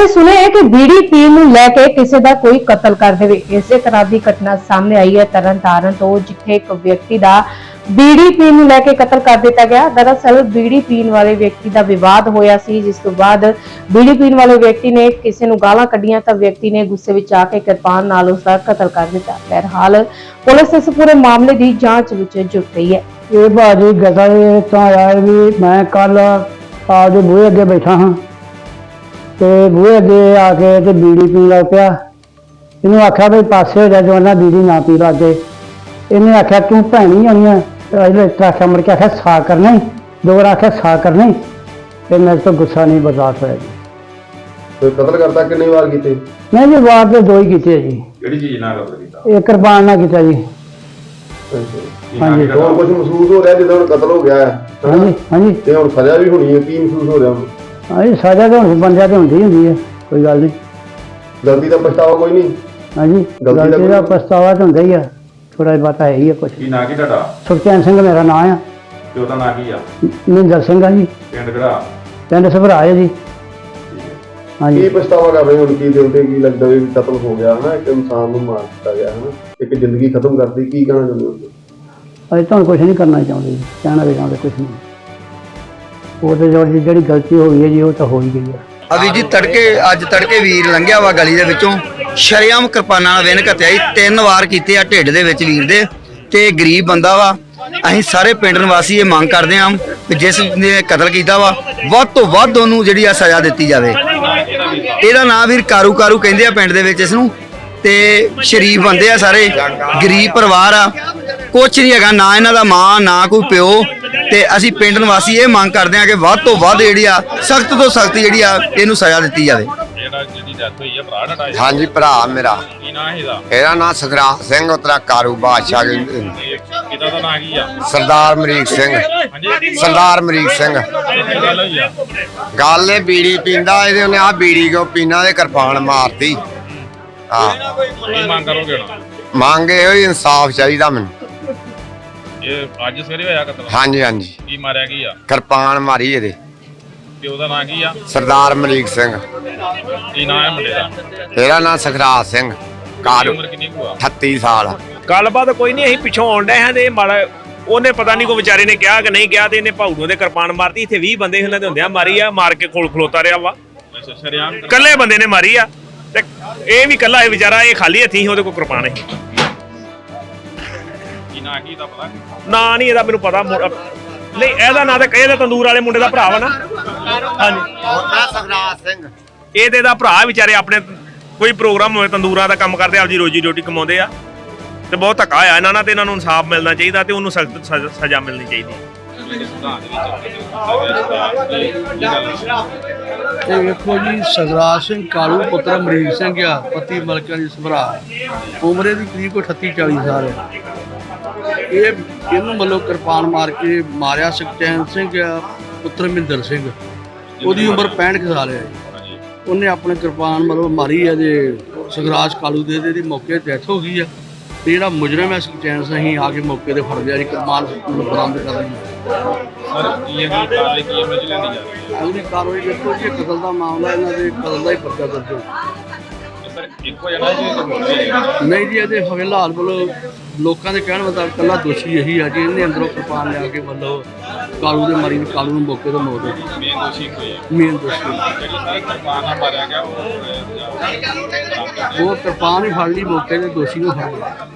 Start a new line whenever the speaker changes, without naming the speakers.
ਕਦੇ ਸੁਣਿਆ ਕਿ ਬੀੜੀ ਪੀਣ ਨੂੰ ਲੈ ਕੇ ਕਿਸੇ ਦਾ ਕੋਈ ਕਤਲ ਕਰ ਦੇਵੇ। ਇਸੇ ਤਰ੍ਹਾਂ ਦੀ ਘਟਨਾ ਸਾਹਮਣੇ ਆਈ ਹੈ ਤਰਨਤਾਰਨ ਤੋਂ, ਜਿੱਥੇ ਇੱਕ ਵਿਅਕਤੀ ਦਾ ਬੀੜੀ ਪੀਣ ਨੂੰ ਲੈ ਕੇ ਕਤਲ ਕਰ ਦਿੱਤਾ ਗਿਆ। ਦਰਅਸਲ ਬੀੜੀ ਪੀਣ ਵਾਲੇ ਵਿਅਕਤੀ ਦਾ ਵਿਵਾਦ ਹੋਇਆ ਸੀ, ਜਿਸ ਤੋਂ ਬਾਅਦ ਬੀੜੀ ਪੀਣ ਵਾਲੇ ਵਿਅਕਤੀ ਨੇ ਕਿਸੇ ਨੂੰ ਗਾਲਾਂ ਕੱਢੀਆਂ ਤਾਂ ਵਿਅਕਤੀ ਨੇ ਗੁੱਸੇ ਵਿੱਚ ਆ ਕੇ ਕਿਰਪਾਨ ਨਾਲ ਉਸ ਦਾ ਕਤਲ ਕਰ ਦਿੱਤਾ। ਬਹਰਹਾਲ ਪੁਲਿਸ ਇਸ ਪੂਰੇ ਮਾਮਲੇ ਦੀ ਜਾਂਚ ਵਿੱਚ ਜੁਟ ਗਈ ਹੈ।
ਇਹ ਭਾਜੀ ਗਜ਼ਲ ਤਾਂ ਆਇਆ ਵੀ ਮੈਂ ਕੱਲ ਆਪਦੇ ਬੂਹੇ ਅੱਗੇ ਬੈਠਾ ਹਾਂ ਤੇ ਬੂਹੇ ਅੱਗੇ ਆ ਕੇ ਤੇ ਬੀੜੀ ਪੀਣ ਲੱਗ ਪਿਆ। ਇਹਨੂੰ ਆਖਿਆ ਵੀ ਪਾਸੇ ਹੋ ਜਾ ਜਵਾਨਾ, ਬੀੜੀ ਨਾ ਪੀ ਲੱਗੇ। ਇਹਨੇ ਆਖਿਆ ਤੂੰ ਭੈਣੀ ਆਈ ਆ, ਆਖਿਆ ਮੁੜ ਕੇ ਆਖਿਆ ਸਾ ਕਰਨਾ ਹੀ, ਦੋ ਵਾਰ ਆਖਿਆ ਸਾ ਕਰਨਾ ਹੀ, ਤੇ ਮੇਰੇ ਤੋਂ ਗੁੱਸਾ ਨਹੀਂ ਬਰਦਾਸ਼ਤ ਹੋਇਆ ਜੀ।
ਕੋਈ ਕਤਲ ਕਰਦਾ ਕਿੰਨੀ ਵਾਰ ਕੀਤੇ?
ਮੈਂ ਜੀ ਵਾਰ ਤੇ ਦੋ ਹੀ ਕੀਤੇ ਜੀ।
ਕਿਹੜੀ ਚੀਜ਼ ਨਾਲ ਕਤਲ ਕੀਤਾ?
ਇਹ ਕਿਰਪਾਨ ਨਾਲ ਕੀਤਾ ਜੀ। ਹਾਂਜੀ।
ਹੋਰ ਕੁਝ ਮਹਿਸੂਸ ਹੋ ਰਿਹਾ ਜਦੋਂ ਹੁਣ ਕਤਲ ਹੋ ਗਿਆ ਹੈ?
ਹਾਂਜੀ ਹਾਂਜੀ।
ਤੇ ਹੁਣ ਸਜ਼ਾ ਵੀ ਹੋਣੀ ਹੈ, ਕੀ ਮਹਿਸੂਸ ਹੋ ਰਿਹਾ ਹੁਣ?
ਹਾਂਜੀ, ਸਜ਼ਾ ਤਾਂ ਹੁਣ ਬੰਦਿਆਂ ਤੇ ਹੁੰਦੀ ਹੈ, ਕੋਈ ਗੱਲ ਨਹੀਂ।
ਗਲਤੀ ਦਾ ਪਛਤਾਵਾ ਕੋਈ ਨਹੀਂ?
ਹਾਂਜੀ, ਗਲਤੀ ਦਾ ਪਛਤਾਵਾ ਤਾਂ ਹੁੰਦਾ ਹੀ ਆ, ਥੋੜਾ ਬਹੁਤਾ ਹੈ ਹੀ ਆ ਕੁਛ।
ਕੀ ਨਾਂ ਕੀ ਤੁਹਾਡਾ?
ਸੁਖਚੈਨ ਸਿੰਘ ਮੇਰਾ ਨਾਂ ਆ।
ਤੇ ਉਹਦਾ ਨਾਂ ਕੀ ਆ?
ਮਹਿੰਦਰ ਸਿੰਘ ਆ ਜੀ।
ਪਿੰਡ ਕਿਹੜਾ?
ਪਿੰਡ ਸਭਰਾ ਹੈ ਜੀ। ਹਾਂਜੀ।
ਕੀ ਪਛਤਾਵਾ ਕਰ ਰਹੇ ਹੁਣ? ਕੀ ਦਿਲ ਤੇ ਕੀ ਲੱਗਦਾ ਵੀ ਕਤਲ ਹੋ ਗਿਆ ਹਨਾ, ਇੱਕ ਇਨਸਾਨ ਨੂੰ ਮਾਰ ਦਿੱਤਾ ਗਿਆ ਹਨਾ, ਇੱਕ ਜ਼ਿੰਦਗੀ ਖਤਮ ਕਰਤੀ, ਕੀ ਕਹਿਣਾ ਚਾਹੁੰਦੇ ਹੋ?
ਅਸੀਂ ਤੁਹਾਨੂੰ ਕੁਛ ਨਹੀਂ ਕਰਨਾ ਚਾਹੁੰਦੇ ਜੀ, ਕਹਿਣਾ ਵੀ ਚਾਹੁੰਦੇ ਕੁਛ ਨਹੀਂ। ਉਹ ਤੇ ਜਿਹੜੀ ਗਲਤੀ ਹੋ ਗਈ ਹੈ ਜੀ, ਉਹ ਤਾਂ ਹੋ ਹੀ ਗਈ ਹੈ।
ਅਭੀ ਜੀ ਅੱਜ ਤੜਕੇ ਵੀਰ ਲੰਘਿਆ ਵਾ ਗਲੀ ਦੇ ਵਿੱਚੋਂ, ਸ਼ਰੇਆਮ ਕਿਰਪਾਨਾਂ ਨਾਲ ਵਿਨ ਘੱਤਿਆ ਜੀ, 3 ਵਾਰ ਕੀਤੇ ਆ ਢਿੱਡ ਦੇ ਵਿੱਚ ਵੀਰ ਦੇ। ਤੇ ਗਰੀਬ ਬੰਦਾ ਵਾ। ਅਸੀਂ ਸਾਰੇ ਪਿੰਡ ਨਿਵਾਸੀ ਇਹ ਮੰਗ ਕਰਦੇ ਹਾਂ ਕਿ ਜਿਸ ਨੇ ਕਤਲ ਕੀਤਾ ਵਾ ਵੱਧ ਤੋਂ ਵੱਧ ਉਹਨੂੰ ਜਿਹੜੀ ਆ ਸਜ਼ਾ ਦਿੱਤੀ ਜਾਵੇ। ਇਹਦਾ ਨਾਂ ਵੀਰ ਕਾਰੂ ਕਹਿੰਦੇ ਆ ਪਿੰਡ ਦੇ ਵਿੱਚ ਇਸ ਨੂੰ। ਤੇ ਸ਼ਰੀਫ ਬੰਦੇ ਆ ਸਾਰੇ, ਗਰੀਬ ਪਰਿਵਾਰ ਆ, ਕੁਛ ਨਹੀਂ ਹੈਗਾ, ਨਾ ਇਹਨਾਂ ਦਾ ਮਾਂ ਨਾ ਕੋਈ ਪਿਓ। ਤੇ ਅਸੀਂ ਪਿੰਡ ਨਿਵਾਸੀ ਇਹ ਮੰਗ ਕਰਦੇ ਹਾਂ ਕਿ ਵੱਧ ਤੋਂ ਵੱਧ ਜਿਹੜੀ ਆ ਸਖਤ ਤੋਂ ਸਖਤ ਜਿਹੜੀ ਆ ਇਹਨੂੰ ਸਜ਼ਾ ਦਿੱਤੀ ਜਾਵੇ।
ਹਾਂਜੀ, ਭਰਾ ਮੇਰਾ।
ਕੀ ਨਾਂ ਇਹਦਾ?
ਇਹਦਾ ਨਾਂ ਸੁਖਰਾਜ ਸਿੰਘ, ਉਤਰਾ ਕਾਰੂ ਬਾਦਸ਼ਾਹ।
ਕਿਹਦਾ ਦਾ ਨਾਂ ਕੀ ਆ?
ਸਰਦਾਰ ਅਮਰੀਕ ਸਿੰਘ। ਸਰਦਾਰ ਅਮਰੀਕ ਸਿੰਘ।
ਗੱਲ ਹੋਈ ਆ?
ਗੱਲ ਇਹ ਬੀੜੀ ਪੀਂਦਾ, ਇਹਦੇ ਉਹਨੇ ਆ ਬੀੜੀ ਕੋ ਪੀਣਾ ਦੇ ਕਿਰਪਾਨ ਮਾਰਤੀ। ਹਾਂ,
ਕੀ ਮੰਗ ਕਰੋਗੇ ਹੁਣ?
ਮੰਗ ਇਹੋ ਹੀ ਇਨਸਾਫ ਚਾਹੀਦਾ ਮੈਨੂੰ।
ਇਹ ਅੱਜ ਸਵੇਰੇ ਹੋਇਆ ਕਤਲ?
ਹਾਂਜੀ ਹਾਂਜੀ।
ਕੀ ਮਾਰਿਆ ਕੀ ਆ?
ਕਿਰਪਾਨ ਮਾਰੀ ਇਹਦੇ।
ਤੇ ਉਹਦਾ ਨਾਂ ਕੀ ਆ?
ਸਰਦਾਰ ਅਮਰੀਕ ਸਿੰਘ।
ਕੀ ਨਾਂ ਹੈ ਮੁੰਡੇ ਦਾ?
ਇਹਦਾ ਨਾਂ ਸੁਖਰਾਜ ਸਿੰਘ। ਕਾਰੂ।
ਉਮਰ ਕਿੰਨੀ ਕੁ ਆ?
38 ਸਾਲ।
ਗੱਲਬਾਤ ਕੋਈ ਨਹੀਂ, ਅਸੀਂ ਪਿੱਛੋਂ ਆਉਣ ਡਏ ਹਾਂ ਤੇ ਮਾੜਾ ਉਹਨੇ ਪਤਾ ਨਹੀਂ ਕੋਈ ਵਿਚਾਰੇ ਨੇ ਕਿਹਾ ਕਿ ਨਹੀਂ ਕਿਹਾ, ਤੇ ਇਹਨੇ ਭਾਊ ਦੇ ਕਿਰਪਾਨ ਮਾਰਤੀ। ਇੱਥੇ 20 ਬੰਦੇ ਇਹਨਾਂ ਦੇ ਹੁੰਦਿਆਂ ਮਾਰੀ ਆ, ਮਾਰ ਕੇ ਕੋਲ ਖਲੋਤਾ ਰਿਹਾ ਵਾ।
ਸ਼ਰੇਆਮ
ਇਕੱਲੇ ਬੰਦੇ ਨੇ ਮਾਰੀ ਆ, ਤੇ ਇਹ ਵੀ ਇਕੱਲਾ ਇਹ ਵਿਚਾਰਾ, ਇਹ ਖਾਲੀ ਹੱਥੀਂ ਸੀ, ਉਹਦੇ ਕੋਲ ਕਿਰਪਾਨ ਹੈ।
ਕੀ ਨਾਂ ਕੀ ਦਾ ਪਤਾ?
ਨਾਂ ਨਹੀਂ ਇਹਦਾ ਮੈਨੂੰ ਪਤਾ ਨਹੀਂ। ਇਹਦਾ ਨਾਂ ਤਾਂ ਇਹਦਾ ਤੰਦੂਰ ਵਾਲੇ ਮੁੰਡੇ ਦਾ ਭਰਾ ਵਾ ਨਾ। ਹਾਂਜੀ,
ਸੁਖਰਾਜ ਸਿੰਘ।
ਇਹ ਤੇ ਇਹਦਾ ਭਰਾ ਵਿਚਾਰੇ ਆਪਣੇ ਕੋਈ ਪ੍ਰੋਗਰਾਮ ਹੋਵੇ ਤੰਦੂਰਾਂ ਦਾ ਕੰਮ ਕਰਦੇ, ਆਪਦੀ ਰੋਜੀ ਰੋਟੀ ਕਮਾਉਂਦੇ ਆ। ਤੇ ਬਹੁਤ ਧੱਕਾ ਆ ਇਹਨਾਂ ਨਾਲ, ਤੇ ਇਹਨਾਂ ਨੂੰ ਇਨਸਾਫ ਮਿਲਣਾ ਚਾਹੀਦਾ ਤੇ ਉਹਨੂੰ ਸਖਤ ਸਜ਼ਾ ਮਿਲਣੀ ਚਾਹੀਦੀ।
ਇਹ ਵੇਖੋ ਜੀ, ਸੁਖਰਾਜ ਸਿੰਘ ਕਾਲੂ ਪੁੱਤਰ ਅਮਰੀਕ ਸਿੰਘ ਆ, ਪਤੀ ਮਲਕਾਂ ਦੀ ਸਭਰਾ। ਉਮਰੇ ਦੀ ਕਰੀਬ ਕੋਈ 38-40 ਸਾਲ ਹੈ। ਇਹਨੂੰ ਮਤਲਬ ਕਿਰਪਾਨ ਮਾਰ ਕੇ ਮਾਰਿਆ ਸੁਖਚੈਨ ਸਿੰਘ ਆ, ਪੁੱਤਰ ਮਹਿੰਦਰ ਸਿੰਘ। ਉਹਦੀ ਉਮਰ 65 ਸਾਲ ਹੈ। ਉਹਨੇ ਆਪਣੇ ਕਿਰਪਾਨ ਮਤਲਬ ਮਾਰੀ ਹੈ ਜੇ ਸੁਖਰਾਜ ਕਾਲੂ ਦੇ, ਇਹਦੀ ਮੌਕੇ ਤੇ ਡੈਥ ਹੋ ਗਈ ਆ। ਤੇ ਜਿਹੜਾ ਮੁਜਰਮ ਹੈ ਸੁਖਚੈਨ ਸਿੰਘ, ਅਸੀਂ ਆ ਕੇ ਮੌਕੇ ਤੇ ਫੜ ਲਿਆ ਜੀ, ਕਿਰਪਾਨ ਬਰਾਮਦ ਕਰ ਲਈ। ਅਗਲੀ ਕਾਰਵਾਈ ਦੇਖੋ ਜੀ, ਕਤਲ ਦਾ ਮਾਮਲਾ, ਇਹਨਾਂ ਦੇ ਕਤਲ ਦਾ ਹੀ ਪਰਚਾ ਦਰਜ ਹੋ। ਨਹੀਂ ਜੀ, ਇਹਦੇ ਫਿਲਹਾਲ ਵੱਲੋਂ ਲੋਕਾਂ ਦੇ ਕਹਿਣ ਮੁਤਾਬਕ ਇਕੱਲਾ ਦੋਸ਼ੀ ਇਹੀ ਆ ਜੀ। ਇਹਨੇ ਅੰਦਰੋਂ ਕਿਰਪਾਨ ਲਿਆ ਕੇ ਮਤਲਬ ਕਾਲੂ ਦੇ ਮਾਰੀ, ਕਾਲੂ ਨੂੰ ਮੌਕੇ ਤੋਂ ਮੌਤ ਹੋ ਗਈ। ਮੇਨ ਦੋਸ਼ੀ ਉਹ ਕਿਰਪਾਨ ਹੀ ਫੜ ਲਈ, ਮੌਕੇ ਦੇ ਦੋਸ਼ੀ ਨੂੰ ਫੜ ਲਿਆ।